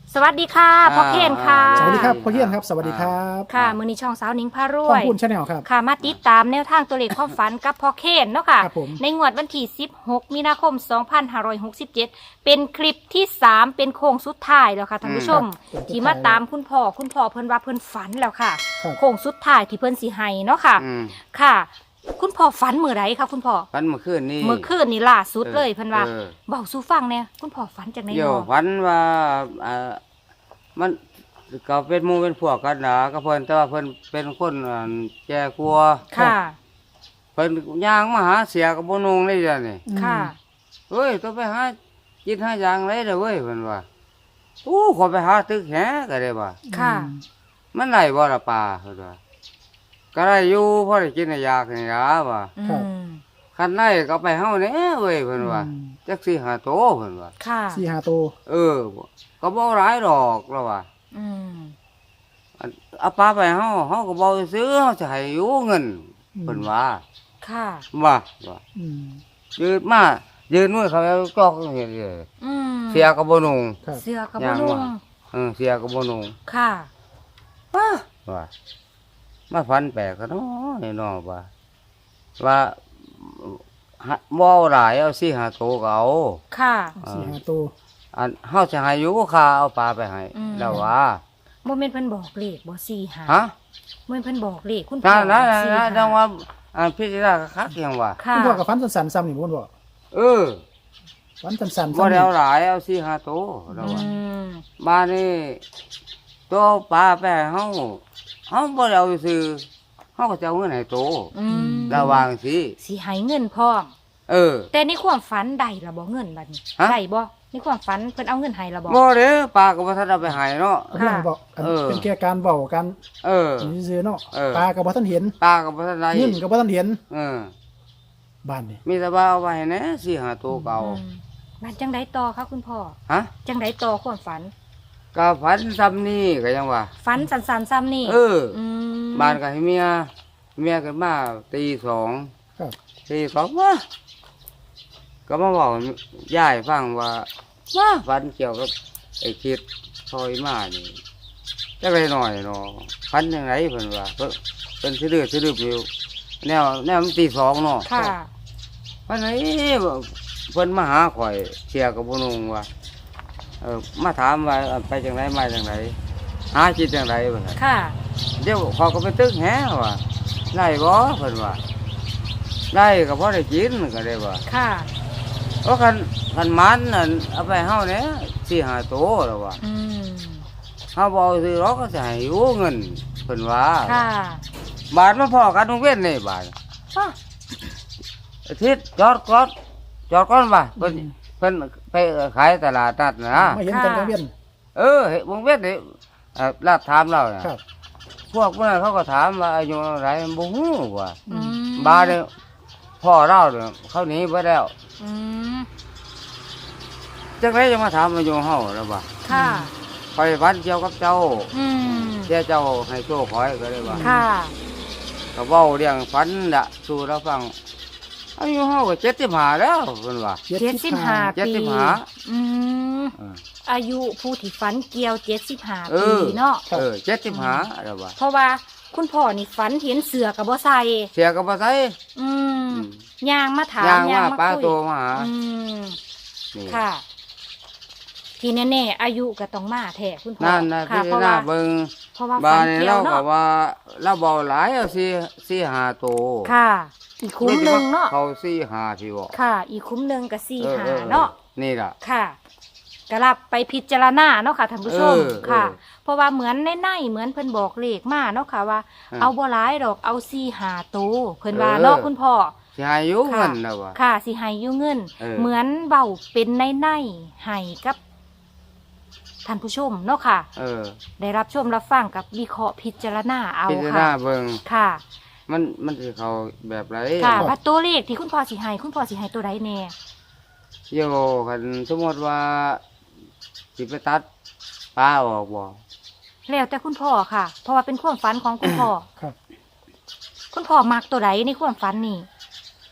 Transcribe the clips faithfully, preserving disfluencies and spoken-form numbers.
สวัสดีค่ะพ่อเคนค่ะสวัสดีครับพ่อเฮียนครับสวัสดีครับค่ะมือนี้ช่องสาวหนิงพารข้วอย มูลชาแนลครับค่ะมาติดตามแนวทางตัวเลขความฝันกับพ่อเคนเนาะค่ะครับผมในงวดวันที่สิบหกมีนาคมสองพันห้าร้อยหกสิบเจ็ดเป็นคลิปที่สามเป็นโค้งสุดท้ายแล้วค่ะท่านผู้ชมครับที่มาตามคุณพ่อคุณพ่อเพิ่นว่าเพิ่นฝันแล้วค่ะครับโค้งสุดท้ายที่เพิ่นสิให้เนาะค่ะอืมค่ะ คุณพ่อฝันมื้อใดคะคุณพ่อฝันเมื่อคืนนี่เมื่อคืนนี่ล่าสุดเลยเพิ่นว่าเออเบาสู่ฟังแน่คุณพ่อฝันจากไหนเดี๋ยวเนาะฝันว่าเอ่อมันก็เป็นหมู่เป็นพวกกันนะก็เพิ่นแต่ว่าเพิ่นเป็นคนอ่าแก่กลัวค่ะเพิ่นย่างมาหาเสียกับบ่นงเลยจ้ะนี่ค่ะเฮ้ยต้องไปหากินหาอย่างไรเด้อเว้ยเพิ่นว่าอู้ขอไปหาตึกแหก็ได้ว่าค่ะมันได้บ่ล่ะป่าเพิ่นว่าก็ได้อยู่พอได้กินได้อยากนี่ล่ะว่าอืครับมคันได้ก็ไปเฮาแหน่เว้ยเพิ่นว่าอืมจักสิหาโตเพิ่นว่าค่ะสี่ห้าตัวเออบ่ก็บ่หลายดอกแล้วว่าอืมอันเอาปลาไปเฮาเฮาก็บ่ซื้อเฮาจะให้อยู่เงินเพิ่นว่าค่ะว่าว่าอืมยืนมายืนมือเขาแล้วจอกเห็นเลยอืมเสียก็บ่นุ่งครับเสื้อกับย่างนุ่งว่า เออเสียก็บ่นุ่งค่ะว่าว่ามาฝันแปลกกันเนาะไอ้น้อว่าว่าหาบ่เอาหลายเอาสี่ห้าโตวก็เอาค่ะสี่ห้าตัวอันเฮาจะให้อยู่ค่าเอาปลาไปให้อืมแล้วว่าบ่แม่นเพิ่นบอกเลขบ่สี่หาฮะบ่แม่นเพิ่นบอกเลขคุณนั่นบนั่อน กนั่นสี่นั่หานจังว่าอันพิจารณาคักๆยังว่าค่ะคุณพ่อกับฟันสันๆซ้ำนี่คุณพ่อเออฟันสันๆบ่ซ้ำได้นี่เอาหลายเอาสี่ห้าโตวแล้วอืว่าม บ้านนี้ตัวปลาไปให้เฮาเฮาบ่ได้เอาซื้อเฮาก็จะเอาเงินให้โตอืมระวังสิสิให้เงินพร้อมเออแต่ในความฝันได้ล่ะบ่เงินบัดนี้ฮะได้บ่ในความฝันเพิ่นเอาเงินให้ล่ะบ่บ่เด้อปลาก็บ่ทันเอาไปให้เนาะเรื่องบอกอันเออเป็นแค่การเว้าการเออนี่ซื่อๆเนาะเออปลากับบ่ทันเห็นปลาก็บ่ทันได้เงินกับบ่ทันเห็นเออบ้านนี่มีแต่ว่าเอาไว้ให้แหน่สี่ห้าโตวเก่าอืมบัดจังไดต่อคะคุณพ่อฮะจังไดต่อความฝันก็ฝันซ้ำนี่ก็ยังว่าฝันสันๆซ้ำนี่เอออืมบ้านก็ให้เมียเมียขึ้นมาตีสองครับตีสองว่าก็มาบอกยายฟังว่าว่าฝันเกี่ยวกับไอ้คิดซอยมานี่จะไปหน่อยเนาะฝันยังไงเพิ่นว่าเพิ่นเป็นสิดื้อสิดื้ออยู่แนวแนวมันตีสองเนาะค่ะฝันไหนเพิ่นมาหาข่อยเสียกับบ่นุ่งว่าเออมาถามว่าไปจังไดมาจังไดหาคิดจังไดว่าซั่นค่ะเดี๋ยวเขาก็ไปตึกแหว่าได้บ่เพิ่นว่าได้ก็พอได้กินก็ได้ว่าค่ะเพราะคันคันมันนั่นเอาไปเฮาเนี่ยสี่ห้าโตแล้วว่าอืมเฮาบ่เอาซื้อหรอกก็จะให้อยู่เงินเพิ่นว่าค่ะบาทมาพอกันโรงเรียนนี่บาทฮะอาทิตย์จอดก่อนจอดก่อนบ่าเพิ่นเพิ่นไปขายตลาดนัดนะไม่เห็นกันกังเวียนเออเฮ็ดวงเวียนนี่เอ่อลาดถามเราน่ะครับพวกพวกนั้นเขาก็ถามว่าอายุเท่าไหร่บ่ฮู้ว่าอืมบาดเนี่ยพ่อเราเนี่ยเขาหนีไปแล้วอืมจังไรจะมาถามอายุเฮาแล้วบ่าค่ะคอยฝันเกี่ยวกับเจ้าอืมเจ้าเจ้าให้โชคคอยก็เลยว่าค่ะก็เว้าเรื่องฝันน่ะสู่เราฟังอายุเฮาก็เจ็ดสิบห้าแล้วเพิ่นว่าเจ็ดสิบห้าเจ็ดปีสิบห้าอืมเอออายุผู้ที่ฝันเกี่ยวเจ็ดสิบห้าเอปีอเนาะเออเจ็ดสิบห้าแล้วว่าเพราะว่าคุณพ่อนี่ฝันเห็นเสือกับบ่ใส่เสียก็บ่ใส่อืมอืมย่างมาถามย่างมาป้าคุยโตมาหาอืมนี่ค่ะ ทีแน่ๆอายุก็ต้องมาแท้คุณพ่อนั่นน่ะค่ะพี่เพราะหน้าว่าเบิ่งเพราะว่าบ้าฝันนนี้เกี่ยเราวก็เนาะว่าเราเบาหลายเอาสี่สี่ห้าโตค่ะ อีกคุ้มหนึ่งเนาะเขาสี่ห้าพี่บอกค่ะ อีกคุ้มหนึ่งกับสี่เออหาเออเนาะนี่ล่ะค่ะกรับไปพิจารณาเนาะค่ะท่านผู้ชมเออค่ะเออเพราะว่าเหมือนในในเหมือนเพิ่นบอกเลขมาเนาะค่ะว่าอ่าเอาบ่หลายดอกเอาสี่หาโตวเพิ่นว่าเออเนาะคุณพ่อสิให้อยู่ค่ะเงินนะวะค่ะสิให้อยู่เงินเออเหมือนเบาเป็นในในให้กับท่านผู้ชมเนาะค่ะเออได้รับชมรับฟังกับวิเคราะห์พิจารณาเอาพิจารค่ะณาเบิ่งค่ะมันมันสิเขาแบบไรค่ะว่าตัวเลขที่คุณพ่อสิให้คุณพ่อสิให้ตัวใดแน่โยคันสมมติว่าสิไปตัดปลาออกบ่แล้วแต่คุณพ่อค่ะ เพราะว่าเป็นความฝันของคุณพ่อครับคุณพ่อมักตัวใดในความฝันนี่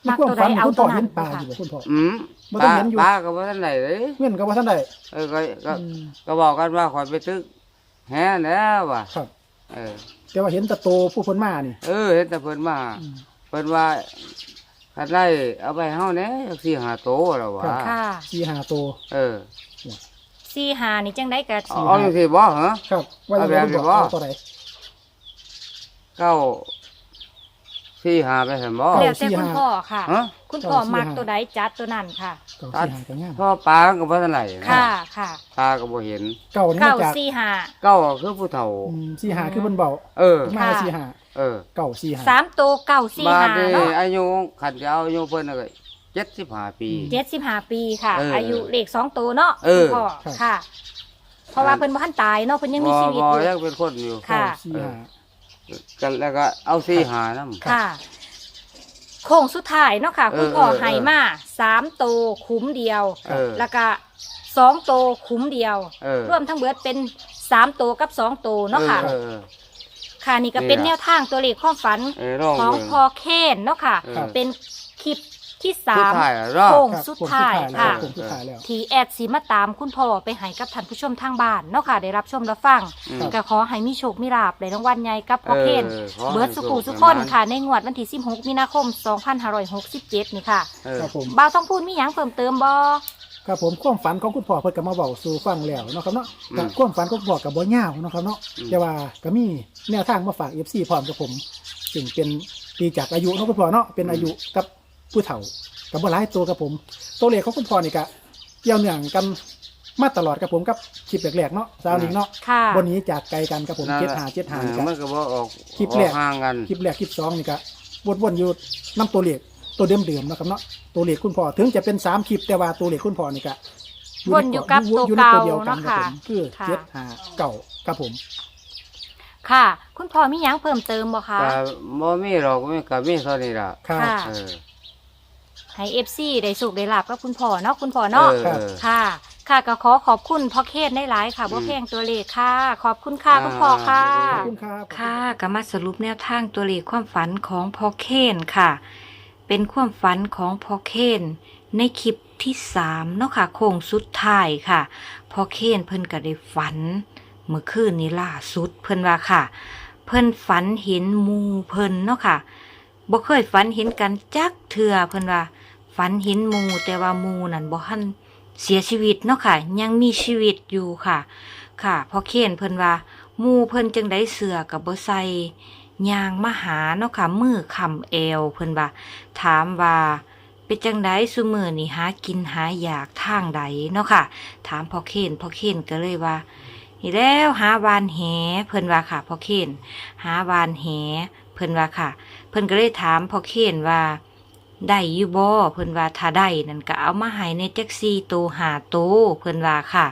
ในมักความตัวใดฝันนี่เอาคุณตัพ่วอนั้เห็นนปลาค่ะอยู่บ่คุณพ่ออืมบ่ปต้องลาเห็นอยู่ปลาก็บ่ทันได้เลยเงินก็บ่ทันได้เออก็ก็อืมก็บอกกันว่าข่อยไปตึกแฮแล้วว่ะครับเออแต่ว่าเห็นแตะโตผู้เพิ่นมานี่เออเห็นแต่เพิ่นมาอืมเพิ่นว่าคันไล่เอาไปเฮาแหน่จักสี่ห้าโตแล้วว่ะค่ะสี่ห้าโตเออสี่หานี่จังได้กับเอาเอาจังซี่บ่เหรอครับว่าจะเอาแบบคุณพ่อนี้บ่เอาตัวใดเก้าสี่ห้าไปซั่นบ่เก้าแล้วแต่คุณพ่อค่ะฮะคุณพ่อมักตัวใดจัดตัวนั้นค่ะเก้าสี่ห้าก็งามเพราะปลาก็บ่ทันได้นะค่ะค่ะปลาก็บ่เห็นเก้านี่เก้ามาจากสี่หาเก้าคือผู้เฒ่าอืมสี่ห้าคือเพิ่นเบาเออมาค่ะสี่ห้าเออเก้าสี่ห้าสามตัวเก้าสี่บาดหานี้เนาะอายุขันจะเอาอายุเพิ่นน่ะก็เจ็ดสิบห้าปีเจ็ดสิบห้าปีค่ะเออออายุเลขสองตัวเนาะเออคุณพ่อค่ะ เพราะว่าเพิ่นบ่ทันตายเนาะเพิ่นยังมีชีวิตบ่อบ่ยู่ยังเป็นคนอยู่ค่ะเก้าสี่ห้ากันแล้วก็เอาสี่หานำค่ะ โค้งสุดท้ายเนาะค่ะเออคุณพ่อเออให้มาสามตัวคุ้มเดียวเออแล้วก็สองตัวคุ้มเดียวเออรวมทั้งเบิดเป็นสามตัวกับสองตัวเนาะค่ะเออเออค่ะนี่ก็เป็นนี่แนล่ะวทางตัวเลขความฝันเออลองของเบิ่งพอเคนเนาะค่ะเออเป็นคลิปที่สาสุดมท้ายอะเนาะโค้งครับสุดท้ายผมสุดท้ายแล้วค่ะผมสุดท้ายแล้วทีแอดสีมาตามคุณพ่อไปให้กับท่านผู้ชมทางบ้านเนาะค่ะได้รับชมรับฟังอืมก็ขอให้มีโชคมีลาภในรางวัลใหญ่กับพ่อเคนเออขอให้เบิร์ดสุขุโชคสุขคนให้มันค่ะ ในงวดวันที่สิบหกมีนาคมสองพันห้าร้อยหกสิบเจ็ดนี่ค่ะเออครับผมบ่าวต้องพูดมีหยังเพิ่มเติมบ่ครับผมความฝันของคุณพ่อเพิ่นก็มาเว้าสู่ฟังแล้วเนาะครับเนาะอืมก็ความฝันของคุณพ่อก็บ่ยาวเนาะครับเนาะอืมแต่ว่าก็มีแนวทางมาฝาก เอฟ ซี พร้อมกับผมซึ่งเป็นปีจากอายุเนาะคุณพ่อเนาะเป็นอายุกับผู้เฒ่ากับบ่หลายตัวกับผม ตัวเลขของคุณพ่อนี่ก็เกี่ยวเนื่องกันมาตลอดกับผมกับคลิปแรกๆเนาะสาวนิงเนาะค่ะบนนี้จากไกลกันกับผมนั่นเจ็ดแหละหาเจ็ดหาเอนี่อก็มันก็บ่ออกคลิปอแรอก กห่างกันคลิปแรกคลิปสองนี่ก็วนๆอยู่นํตัวเลขตัวเดิมๆเนาะครับเนาะตัวเลขคุณพ่อถึงจะเป็นสามคลิปแต่ว่าตัวเลขคุณพ่อนี่ก็วนอยู่กับตัวอยู่ในเก่าดียวกัเนาะรับค่ะผมคือค่ะเจ็ดหาเก่าครับผมค่ะ คุณพ่อมีหยังเพิ่มเติมบ่คะก็บ่มีหรอกมีก็มีเท่านี้ล่ะครับค่ะเออให้ เอฟ ซี ได้สุขได้ลาบกับคุณพ่อเนาะคุณพ่อเนาะเออครับเออค่ะ ค่ะก็ขอขอบคุณพ่อเคนได้หลายค่ะอืมบ่แพงตัวเลขค่ะ ขอบคุณค่ะคุณพ่อค่ะขอบคุณครับค่ะก็มาสรุปแนวทางตัวเลขความฝันของพ่อเคนค่ะ เป็นความฝันของพ่อเคนในคลิปที่สามเนาะค่ะโค้งสุดท้ายค่ะพ่อเคนเพิ่นก็ได้ฝันเมื่อคืนนี้ล่าสุดเพิ่นว่าค่ะ เพิ่นฝันเห็นหมูเพิ่นเนาะค่ะบ่เคยฝันเห็นกันจักเทื่อเพิ่นว่า ฝันเห็นหมูแต่ว่าหมูนั่นบ่ทันเสียชีวิตเนาะค่ะ ยังมีชีวิตอยู่ค่ะ ค่ะพอเขียนเพิ่นว่าหมูเพิ่นจังได้เสือกับบ่ใส่ยางมาหาเนาะค่ะมือคำเอวเพิ่นว่า ถามว่าเป็นจังไดซุมื้อนี่หากินหาอยากทางใดเนาะค่ะ ถามพอเขียนพอเขียนก็เลยว่านี่แล้วหาวานแหเพิ่นว่าค่ะพอเขียนหาวานแหเพิ่นว่าค่ะ เพิ่นก็เลยถามพอเขียนว่าได้อยู่บ่เพิ่นว่าถ้าได้นั่นก็เอามาให้ในแท็กซี่โตหาโตเพิ่นว่าค่ะ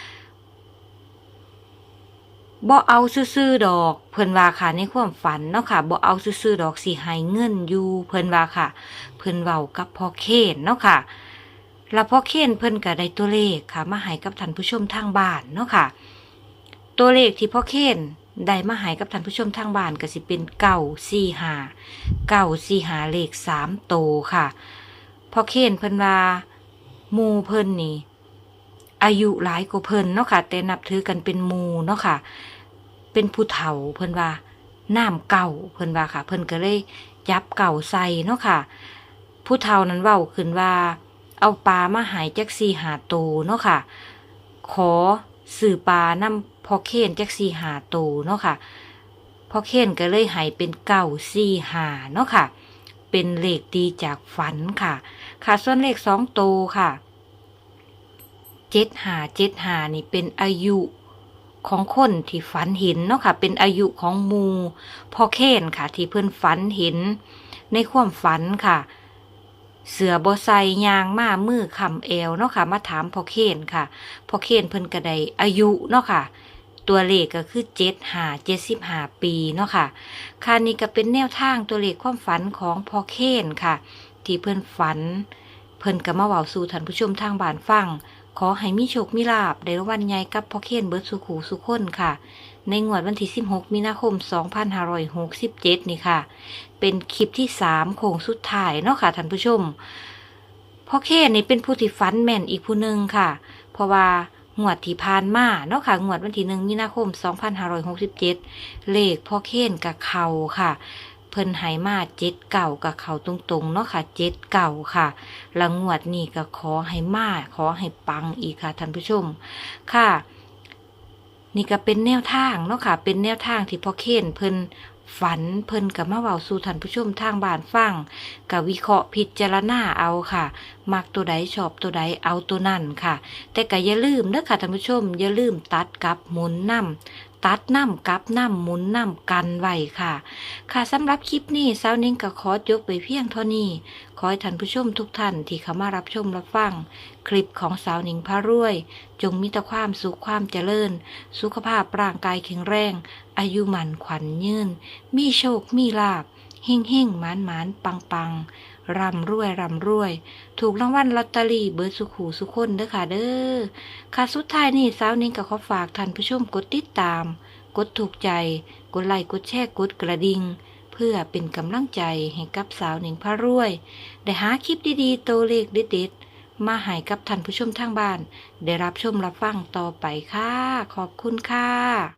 บ่เอาซื่อๆดอกเพิ่นว่าค่ะในความฝันเนาะค่ะบ่เอาซื่อๆดอกสิให้เงินอยู่เพิ่นว่าค่ะ เพิ่นเว้ากับพ่อเคนเนาะค่ะแล้วพ่อเคนเพิ่นก็ได้ตัวเลขค่ะมาให้กับท่านผู้ชมทางบ้านเนาะค่ะ ตัวเลขที่พ่อเคนได้มาให้กับท่านผู้ชมทางบ้านก็สิเป็นเก้าสี่ห้าเก้าสี่ห้าเลขสามโตวค่ะพ่อเคนเพิ่นว่าหมู่เพิ่นนี่อายุหลายกว่าเพิ่นเนาะค่ะแต่นับถือกันเป็นหมู่เนาะค่ะ เป็นผู้เฒ่าเพิ่นว่าน้ำเก่าเพิ่นว่าค่ะ เพิ่นก็เลยยับเก่าใส่เนาะค่ะ ผู้เฒ่านั้นเว้าขึ้นว่า เอาปลามาใหายจักสี่หาโตวเนาะค่ะ ขอสื่อปลานำพ่อเคนจักสี่หาโตวเนาะค่ะพ่อเคนก็เลยใหายเป็นเก้าสี่หาเนาะค่ะ เป็นเลขดีจากฝันค่ะ ค่ะส่วนเลขสองโตวค่ะเจ็ดหาเจ็ดหานี่เป็นอายุของคนที่ฝันเห็นเนาะค่ะ เป็นอายุของหมูพ่อเคนค่ะ ที่เพิ่นฝันเห็นในความฝันค่ะ เสือบอไซยางมามือคำเอวเนาะค่ะมาถามพ่อเคนค่ะพ่อเคนเพิ่นกระไดอายุเนาะค่ะ ตัวเลขก็คือเจ็ดหาเจ็ดสิบห้าปีเนาะค่ะค่ะนี่ก็เป็นแนวทางตัวเลขความฝันของพ่อเคนค่ะ ที่เพิ่นฝัน เพิ่นก็มาเว้าสู่ท่านผู้ชมทางบ้านฟังขอให้มีโชคมีลาภได้รางวัลใหญ่กับพ่อเคนเบิดสุขหูสุขคนค่ะในงวดวันที่สิบหกมีนาคมสองพันห้าร้อยหกสิบเจ็ดนี่ค่ะเป็นคลิปที่สามโค้งสุดท้ายเนาะค่ะท่านผู้ชมพ่อเคนนี่เป็นผู้ที่ฝันแม่นอีกผู้หนึ่งค่ะเพราะว่างวดที่ผ่านมาเนาะค่ะงวดวันที่หนึ่งมีนาคมสองพันห้าร้อยหกสิบเจ็ดเลขพ่อเคนกับเขาค่ะเพิ่นไหมาเจ็ดเก่ากับเขาตรงๆเนาะค่ะเจ็ดเก่าค่ะแล้วงวดนี้ก็ขอให้มาขอให้ปังอีกค่ะท่านผู้ชมค่ะนี่ก็เป็นแนวทางเนาะค่ะเป็นแนวทางที่พ่อเคนเพิ่นฝันเพิ่นกับมาเว้าสู่ท่านผู้ชมทางบ้านฟังกับวิเคราะห์พิจารณาเอาค่ะมักตัวใดชอบตัวใดเอาตัวนั่นค่ะแต่ก็อย่าลืมเด้อค่ะท่านผู้ชมอย่าลืมตัดกับหมุนนำตัดนำกับนำหมุนนำกันไว้ค่ะค่ะสำหรับคลิปนี้สาวนิ้งก็ขอจบไปเพียงเท่านี้ขอให้ท่านผู้ชมทุกท่านที่เข้ามารับชมรับฟังคลิปของสาวนิ้งพารวยจงมีแต่ความสุขความเจริญสุขภาพร่างกายแข็งแรงอายุหมันขวัญยืนมีโชคมีลาภเฮ่งเฮ่งหมานหมานปังปังร่ำรวยร่ำรวยถูกรางวัลลอตเตอรี่เบอร์สุขูสุขคนเด้อค่ะเด้อค่ะสุดท้ายนี่สาวนิ้งก็ขอฝากท่านผู้ชมกดติดตามกดถูกใจกดไลค์กดแชร์กดกระดิ่งเพื่อเป็นกำลังใจให้กับสาวนิ้งพารวยได้หาคลิปดีๆตัวเลขเด็ดๆมาให้กับท่านผู้ชมทางบ้านได้รับชมรับฟังต่อไปค่ะขอบคุณค่ะ